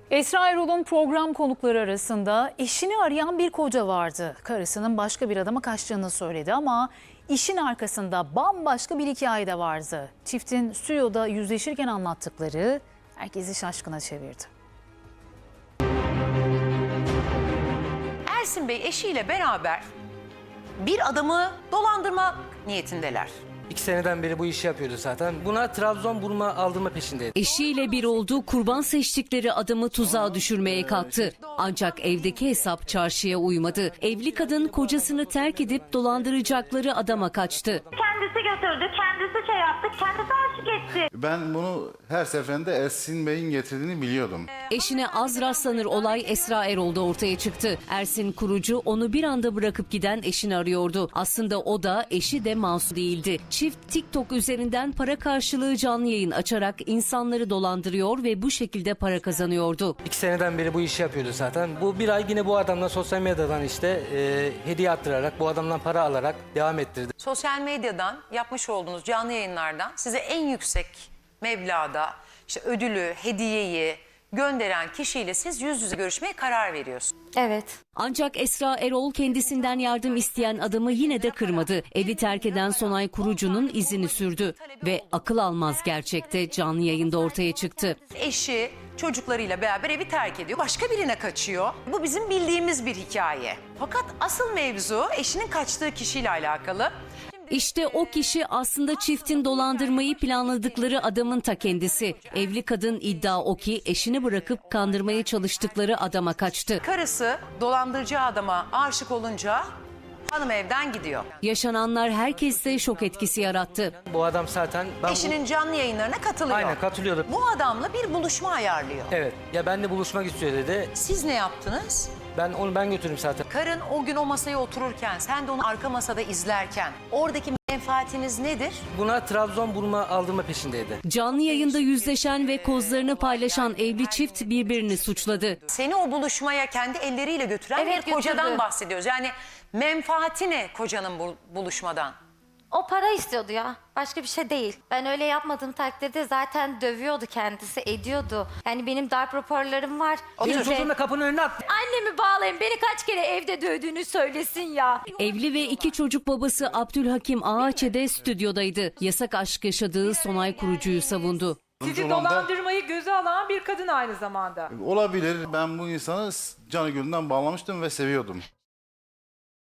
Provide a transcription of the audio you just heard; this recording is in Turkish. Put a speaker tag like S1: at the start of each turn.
S1: Esra Erol'un program konukları arasında eşini arayan bir koca vardı. Karısının başka bir adama kaçtığını söyledi ama işin arkasında bambaşka bir hikaye de vardı. Çiftin stüdyoda yüzleşirken anlattıkları herkesi şaşkına çevirdi.
S2: Ersin Bey eşiyle beraber bir adamı dolandırma niyetindeler.
S3: 2 seneden beri bu işi yapıyordu zaten. Buna Trabzon burma aldırma peşindeydi.
S4: Eşiyle bir olduğu kurban seçtikleri adamı tuzağa düşürmeye kalktı. Ancak evdeki hesap çarşıya uymadı. Evli kadın kocasını terk edip dolandıracakları adama kaçtı.
S5: Kendisi götürdü, kendisi şey yaptı, kendisi aşık etti.
S6: Ben bunu her seferinde Ersin Bey'in getirdiğini biliyordum.
S4: Eşine az rastlanır olay Esra Erol'da ortaya çıktı. Ersin kurucu onu bir anda bırakıp giden eşini arıyordu. Aslında o da eşi de masum değildi. Çift TikTok üzerinden para karşılığı canlı yayın açarak insanları dolandırıyor ve bu şekilde para kazanıyordu.
S3: 2 seneden beri bu işi yapıyordu zaten. Bu bir ay yine bu adamla sosyal medyadan hediye attırarak, bu adamdan para alarak devam ettirdi.
S2: Sosyal medyadan yapmış olduğunuz canlı yayınlardan size en yüksek meblağda işte ödülü, hediyeyi gönderen kişiyle siz yüz yüze görüşmeye karar veriyorsunuz.
S7: Evet.
S4: Ancak Esra Erol kendisinden yardım isteyen adamı yine de kırmadı. Evi terk eden Sonay Kurucu'nun izini sürdü ve akıl almaz gerçekte canlı yayında ortaya çıktı.
S2: Eşi çocuklarıyla beraber evi terk ediyor. Başka birine kaçıyor. Bu bizim bildiğimiz bir hikaye. Fakat asıl mevzu eşinin kaçtığı kişiyle alakalı.
S4: İşte o kişi aslında çiftin dolandırmayı planladıkları adamın ta kendisi. Evli kadın iddia o ki eşini bırakıp kandırmaya çalıştıkları adama kaçtı.
S2: Karısı dolandırıcı adama aşık olunca hanım evden gidiyor.
S4: Yaşananlar herkeste şok etkisi yarattı.
S3: Bu adam zaten...
S2: Eşinin canlı yayınlarına katılıyor.
S3: Aynen katılıyordu.
S2: Bu adamla bir buluşma ayarlıyor.
S3: Evet. Ya benimle buluşmak istiyor dedi.
S2: Siz ne yaptınız?
S3: Ben götürdüm zaten.
S2: Karın o gün o masaya otururken, sen de onu arka masada izlerken oradaki menfaatiniz nedir?
S3: Buna Trabzon burma aldırma peşindeydi.
S4: Canlı yayında yüzleşen ve kozlarını paylaşan evli çift birbirini suçladı.
S2: Seni o buluşmaya kendi elleriyle götüren
S7: Evet,
S2: bir kocadan
S7: götürdü.
S2: bahsediyoruz. Yani menfaati ne kocanın bu buluşmadan?
S7: O para istiyordu ya. Başka bir şey değil. Ben öyle yapmadığım takdirde zaten dövüyordu kendisi, ediyordu. Yani benim darp raporlarım var.
S3: Benim
S7: Bize-
S3: çocuğum da kapının önüne attı.
S7: Annemi bağlayın, beni kaç kere evde dövdüğünü söylesin ya.
S4: Evli ve 2 çocuk babası Abdülhakim Ağaçede stüdyodaydı. Yasak aşk yaşadığı Sonay Kurucu'yu savundu.
S8: Sizi dolandırmayı göze alan bir kadın aynı zamanda.
S6: Olabilir. Ben bu insanı canı gönülden bağlamıştım ve seviyordum.